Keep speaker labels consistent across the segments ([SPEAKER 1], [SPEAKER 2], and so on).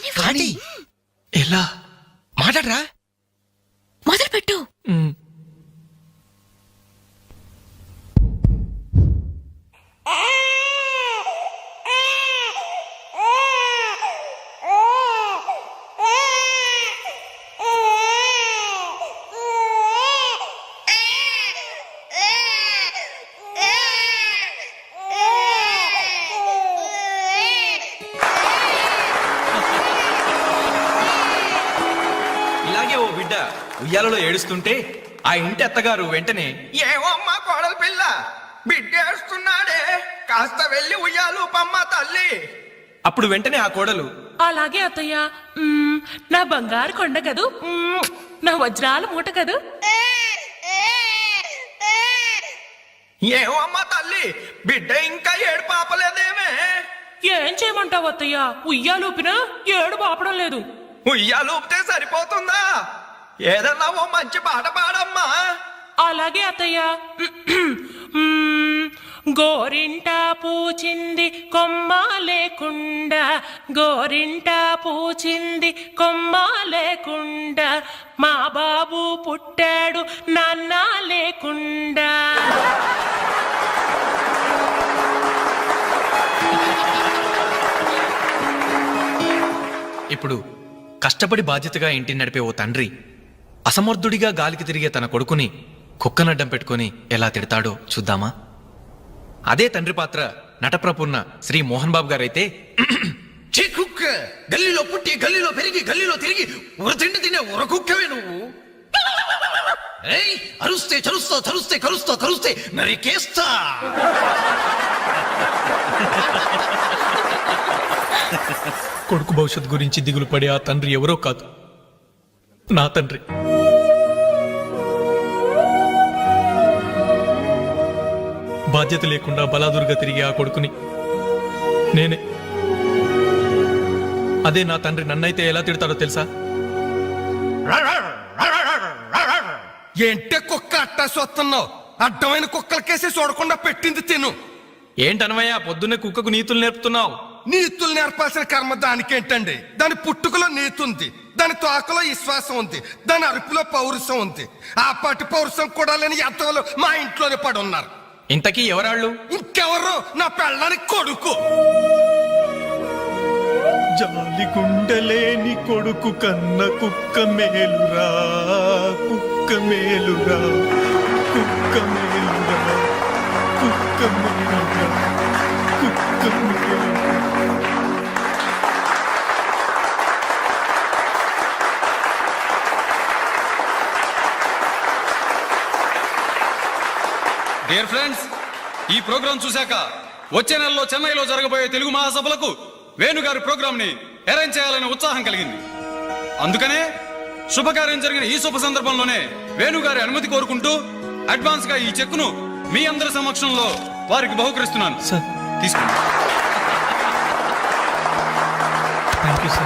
[SPEAKER 1] కానీ ఎలా మాట్లాడరా?
[SPEAKER 2] మొదలు పెట్టు.
[SPEAKER 1] ఇలాగే ఓ బిడ్డ ఉయ్యాలలో ఏడుస్తుంటే ఆ ఇంటి అత్తగారు వెంటనే, ఏమో అమ్మా కోడలు పిల్ల బిడ్డ ఏడుస్తున్నాడే, కాస్త వెళ్ళి ఉయ్యాలు పమ్మ తల్లి. అప్పుడు వెంటనే ఆ కోడలు,
[SPEAKER 3] అలాగే అత్తయ్య, నా బంగారు కొండ కదూ, నా వజ్రాల మూట కదూ.
[SPEAKER 1] ఏమో అమ్మా తల్లి బిడ్డ ఇంకా ఏడు పాపలేదేమే.
[SPEAKER 3] ఏం చేయమంటావు అత్తయ్య, ఉయ్యాలూపినా ఏడు పాపడం లేదు.
[SPEAKER 1] ఉయ్యాలు ఊపితే సరిపోతుందా? ఏదన్నా ఓ మంచి పాట పాడమ్మా.
[SPEAKER 3] అలాగే అత్తయ్య. గోరింట పూచింది కొమ్మ లేకుండా, గోరింట పూచింది కొమ్మ లేకుండా, మా బాబు పుట్టాడు నాన్న లేకుండా.
[SPEAKER 1] ఇప్పుడు కష్టపడి బాధ్యతగా ఇంటిని నడిపే ఓ తండ్రి అసమర్థుడిగా గాలికి తిరిగే తన కొడుకుని కుక్కనడ్డం పెట్టుకుని ఎలా తిడతాడో చూద్దామా? అదే తండ్రి పాత్ర నటప్రపూర్ణ శ్రీ మోహన్ బాబు గారైతే,
[SPEAKER 4] కుక్క గల్లీలో పుట్టి గల్లీలో పెరిగి గల్లీలో తిరిగి ఉరతిండి తినే ఉరకుక్కవే నువ్వు. అరుస్తే చరుస్తా చరుస్తే కరుస్తా కరుస్తే నరికేస్తా.
[SPEAKER 1] కొడుకు భవిష్యత్ గురించి దిగులు పడే ఆ తండ్రి ఎవరో కాదు, నా తండ్రి. బాధ్యత లేకుండా బలాదురుగా తిరిగే ఆ కొడుకుని నేనే. అదే నా తండ్రి నన్నైతే ఎలా తిడతాడో తెలుసా?
[SPEAKER 4] ఏంటే కుక్క అట్టా సొస్తున్నావు? అడ్డమైన కుక్కలకేసి చూడకుండా పెట్టింది తిను.
[SPEAKER 1] ఏంటనవయ్యా పొద్దున్నే కుక్కకు నీతులు నేర్పుతున్నావు?
[SPEAKER 4] నీతులు నేర్పాల్సిన కర్మ దానికేంటండి? దాని పుట్టుకలో నీతి ఉంది, దాని తోకలో విశ్వాసం ఉంది, దాని అరుపులో పౌరుషం ఉంది. ఆ పాటి పౌరుషం కూడా లేని ఎంతలో మా ఇంట్లోనే పడి ఉన్నారు.
[SPEAKER 1] ఇంతకీ ఎవరాళ్ళు?
[SPEAKER 4] ఇంకెవరు? నా పెళ్ళానికి కొడుకు.
[SPEAKER 5] జాలి గుండెలేని కొడుకు కన్న కుక్క మేలురా, కుక్క మేలురా, కుక్క మేలురా, కుక్క మేలురా, కుక్క మేలురా.
[SPEAKER 6] డియర్ ఫ్రెండ్స్, ఈ ప్రోగ్రాం చూశాక వచ్చే నెలలో చెన్నైలో జరగబోయే తెలుగు మహాసభలకు వేణుగారి ప్రోగ్రాం ని అరేంజ్ చేయాలనే ఉత్సాహం కలిగింది. అందుకనే శుభకార్యం జరిగిన ఈ శుభ సందర్భంలోనే వేణుగారి అనుమతి కోరుకుంటూ అడ్వాన్స్ గా ఈ చెక్కును మీ అందరి సమక్షంలో వారికి బహుకరిస్తున్నాను.
[SPEAKER 1] సార్
[SPEAKER 6] తీసుకోండి.
[SPEAKER 1] Thank you sir.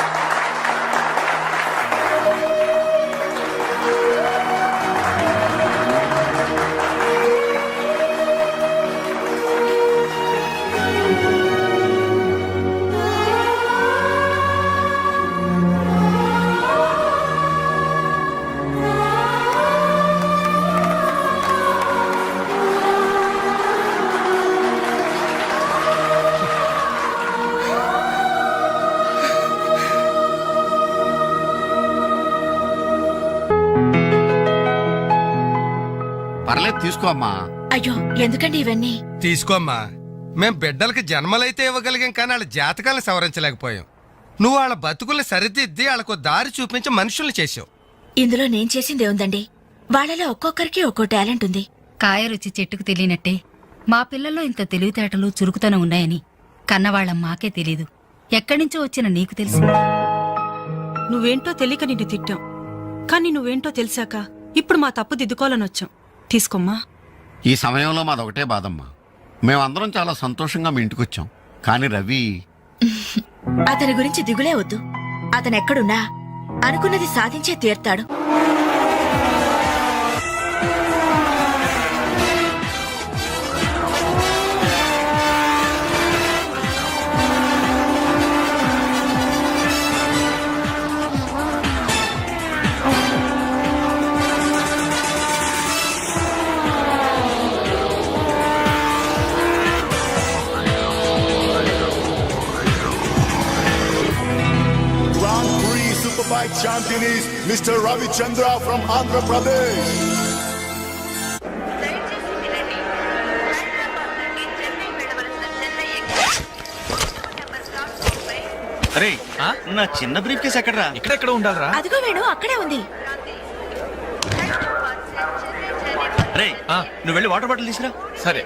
[SPEAKER 7] పర్లేదు తీసుకో అమ్మా.
[SPEAKER 2] అయ్యో ఎందుకండి ఇవన్నీ?
[SPEAKER 4] తీసుకోమ్మా. మేం బిడ్డలకి జన్మలైతే ఇవ్వగలిగాం, కానీ వాళ్ళ జాతకాలను సవరించలేకపోయాం. నువ్వు వాళ్ళ బతుకుల్ని సరిదిద్ది వాళ్ళకు దారి చూపించి మనుషుల్ని చేసావు.
[SPEAKER 2] ఇందులో నేను చేసిందే ఉందండి. వాళ్ళలో ఒక్కొక్కరికి ఒక్కో టాలెంట్ ఉంది.
[SPEAKER 8] కాయ రుచి చెట్టుకు తెలియనట్టే మా పిల్లల్లో ఇంత తెలివితేటలు చురుకుతనం ఉన్నాయని కన్నవాళ్ళం మాకే తెలీదు. ఎక్కడ్నుంచో వచ్చిన నీకు తెలుసు.
[SPEAKER 9] నువ్వేంటో తెలియక నిన్ను తిట్టాం, కానీ నువ్వేంటో తెలిసాక ఇప్పుడు మా తప్పు దిద్దుకోవాలని వచ్చాం. తీసుకోమ్మా.
[SPEAKER 7] ఈ సమయంలో మాదొకటే బాధమ్మా. మేమందరం చాలా సంతోషంగా మీ ఇంటికొచ్చాం, కానీ రవి
[SPEAKER 2] అతని గురించి దిగులే వద్దు. అతనెక్కడున్నా అనుకున్నది సాధించే తీర్తాడు.
[SPEAKER 10] fight champion is Mr. Ravi Chandra from Andhra Pradesh.
[SPEAKER 11] అరే
[SPEAKER 1] ఆ?
[SPEAKER 11] నా చిన్న బ్రీఫ్ కేసు ఎక్కడరా?
[SPEAKER 1] ఎక్కడెక్కడ ఉండాలరా?
[SPEAKER 2] అదిగో వేణు అక్కడే ఉంది.
[SPEAKER 11] రే
[SPEAKER 1] ఆ.
[SPEAKER 11] నువ్వు వెళ్ళి వాటర్ బాటిల్ తీసురా.
[SPEAKER 1] సరే.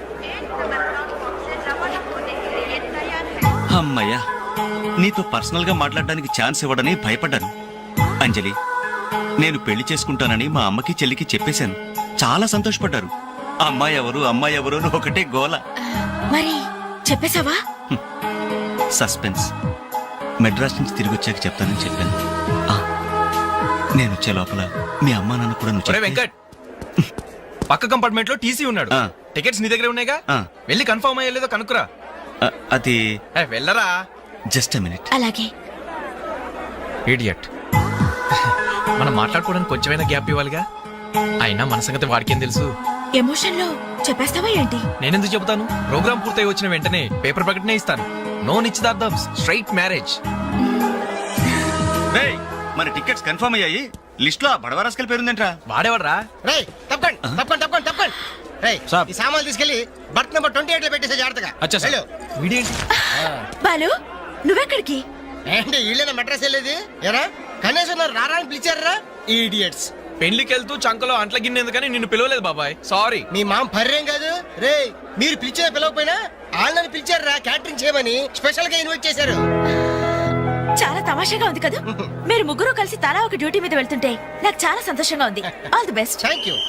[SPEAKER 11] అమ్మయ్యా, నీతో పర్సనల్ గా మాట్లాడడానికి ఛాన్స్ ఇవ్వడని భయపడ్డాను. అంజలి, నేను పెళ్లి చేసుకుంటానని మా అమ్మకి చెల్లికి చెప్పేశాను. చాలా సంతోషపడ్డారు. అమ్మాయి ఎవరు అని ఒకటే గోల.
[SPEAKER 2] మరి చెప్పేశావా?
[SPEAKER 11] సస్పెన్స్. మెడ్రాస్ నుంచి తిరిగి వచ్చాక చెప్తానని చెప్పాను. ఆ, నేను వచ్చే లోపల మీ అమ్మా నాన్న కూడా నువ్వు
[SPEAKER 1] ఒరే
[SPEAKER 11] చెప్తే-
[SPEAKER 1] వెంకట్, పక్క కంపార్ట్మెంట్ లో టీసీ ఉన్నాడు.
[SPEAKER 11] ఆ.
[SPEAKER 1] టికెట్స్ నీ దగ్గర ఉన్నాయిగా,
[SPEAKER 11] ఆ.
[SPEAKER 1] వెళ్ళి కన్ఫర్మ్ అయ్యలేదో కనుక్కురా.
[SPEAKER 11] అది
[SPEAKER 1] వెళ్ళరా.
[SPEAKER 11] Just a minute.
[SPEAKER 2] అలాగే.
[SPEAKER 1] ఇడియట్. మనం మాట్లాడుకోవడానికి కొంచెమైనా గ్యాప్ ఇవ్వాలిగా. అయినా మన సంగతి వాడికేం తెలుసు.
[SPEAKER 2] ఎమోషన్ లో చెప్పేస్తావా ఏంటి?
[SPEAKER 1] నేనెందుకు చెబుతాను? ప్రోగ్రామ్ పూర్తయి వచ్చిన వెంటనే పేపర్ ప్రకటనే ఇస్తాను. నో నిశ్చితార్థం, స్ట్రైట్ మ్యారేజ్.
[SPEAKER 11] రేయ్, మన టికెట్స్ కన్ఫర్మ్ అయ్యాయి. లిస్ట్ లో బడవరాస్కల్ పేరుందేంట్రా?
[SPEAKER 1] వాడేవాడ్రా?
[SPEAKER 12] రేయ్ తప్పకండి. రేయ్ ఈ సామాన్లు తీసుకెళ్లి బర్త్ నెంబర్ 28 లో పెట్టేసే జాగ్రత్తగా.
[SPEAKER 1] అచ్చా సార్.
[SPEAKER 12] వెళ్ళు.
[SPEAKER 1] వీడేంటి?
[SPEAKER 2] బాలు నువ్వెక్కడికి?
[SPEAKER 12] ఏంటి వీళ్ళైనా మెడ్రస్ వెళ్ళేది? ఎరా కనీసం నన్ను రారా అని పిలిచారా? ఈడియట్స్.
[SPEAKER 1] పెళ్లికి వెళ్తూ చంకలో అంట్ల గిన్నె ఎందుకని నిన్ను పిలవలేదు బాబాయ్, సారీ.
[SPEAKER 12] మీ మామ పర్రేం కాదు. రేయ్ మీరు పిలిచినా పిలవకపోయినా వాళ్ళని పిలిచారా క్యాటరింగ్ చేయమని స్పెషల్ గా ఇన్వైట్ చేశారు.
[SPEAKER 2] చాలా తమాషాగా ఉంది కదా. మీరు ముగ్గురు కలిసి తలా ఒక డ్యూటీ మీద వెళ్తుంటే నాకు చాలా సంతోషంగా ఉంది. All the best.
[SPEAKER 12] Thank you.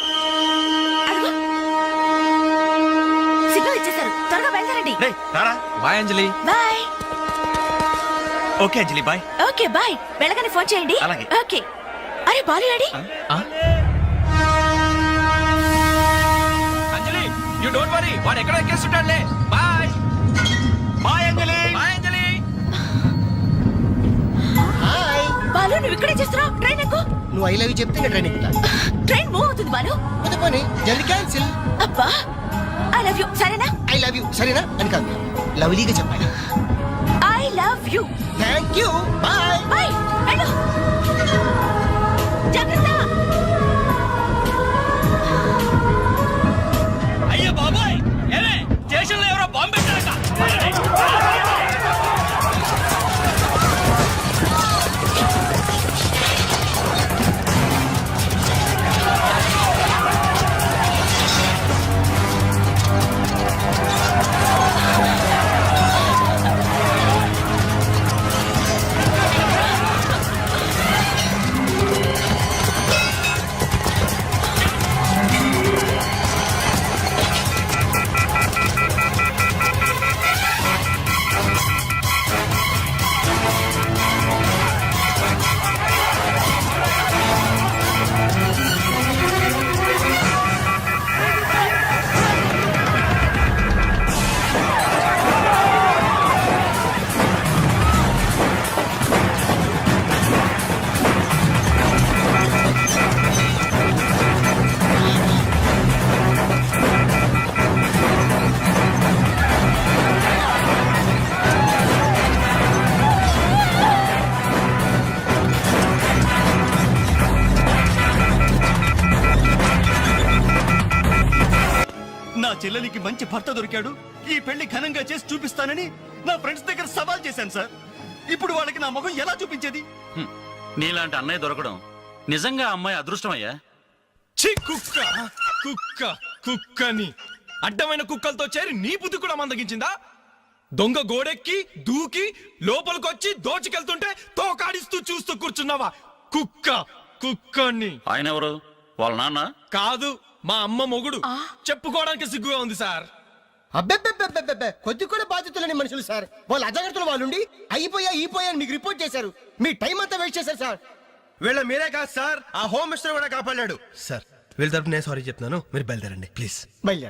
[SPEAKER 2] Signal ఇచ్చేశారు, త్వరగా బయలుదేరండి.
[SPEAKER 11] రేయ్ రారా.
[SPEAKER 1] Bye Anjali.
[SPEAKER 2] Bye.
[SPEAKER 11] Okay Anjali, bye.
[SPEAKER 2] Okay bye. వెళ్ళగానే ఫోన్ చేయండి.
[SPEAKER 11] అలాగే.
[SPEAKER 2] ఓకే. అరే బాలు ఏడి?
[SPEAKER 1] ఆ? అంజలి, యు డోంట్ వరీ, వాడు ఎక్కడ ఎక్కేస్తుంటాడులే. Bye.
[SPEAKER 11] Bye Anjali.
[SPEAKER 1] Bye Anjali.
[SPEAKER 12] Hi.
[SPEAKER 2] Balu నువ్వు ఇక్కడే చేస్తున్నావు? ట్రైన్ ఎక్కు.
[SPEAKER 12] నువ్వు ఐ లవ్ యూ చెప్తే నేను ట్రైన్ ఎక్కుతా.
[SPEAKER 2] ట్రైన్ మూవ్ అవుతుంది బాలు.
[SPEAKER 12] కొద్ది పోనీ జల్ది క్యాన్సిల్.
[SPEAKER 2] అబ్బా ఐ లవ్ యూ. సరేనా?
[SPEAKER 12] ఐ లవ్ యూ సరేనా అని కాదు, లవ్లీగా చెప్పాలి.
[SPEAKER 2] I love you.
[SPEAKER 12] Thank you. Bye.
[SPEAKER 2] Bye. వెళ్ళు. జాగ్రత్త.
[SPEAKER 6] అయ్యో బాబాయ్, ఏమే స్టేషన్ లో ఎవరో బాంబు పెట్టారట.
[SPEAKER 11] నా చెల్లెలికి మంచి భర్త దొరికాడు, ఈ పెళ్లి ఘనంగా చేసి చూపిస్తానని నా ఫ్రెండ్స్ దగ్గర సవాల్ చేశాను సార్. ఇప్పుడు వాళ్ళకి నా ముఖం ఎలా చూపించేది?
[SPEAKER 6] నీలాంటి అన్నయ్య దొరకడం నిజంగా అమ్మాయి అదృష్టమయ్యా.
[SPEAKER 5] ఛీ, కుక్క కుక్క కుక్కని అడ్డమైన కుక్కలతో చేరి నీ బుద్ధి కూడా మందగించిందా? దొంగ గోడెక్కి దూకి లోపలికొచ్చి దోచుకెళ్తుంటే తోకాడిస్తూ చూస్తూ కూర్చున్నావా? కుక్క కుక్కని.
[SPEAKER 6] ఆయన ఎవరు? వాళ్ళ నాన్న?
[SPEAKER 5] కాదు, మా అమ్మ మొగుడు. చెప్పుకోవడానికి సిగ్గుగా ఉంది సార్.
[SPEAKER 12] అబ్బెబ్బెబ్బెబ్బెబ్బె కొద్ది కూడా బాధ్యతలేని మనుషులు సార్. వాళ్ళ అజాగ్రత్తలు వాళ్ళుండి అయిపోయా మీకు రిపోర్ట్ చేశారు. మీ టైం అంతా వేస్ట్ చేశారు సార్.
[SPEAKER 4] వీళ్ళ మీరే కాదు సార్, ఆ హోమ్ మినిస్టర్ కూడా కాపాడాడు. సార్ వీళ్ళ తరపు నేను సారీ చెప్తున్నాను, మీరు బయలుదేరండి ప్లీజ్.
[SPEAKER 12] బయలుదేరండి.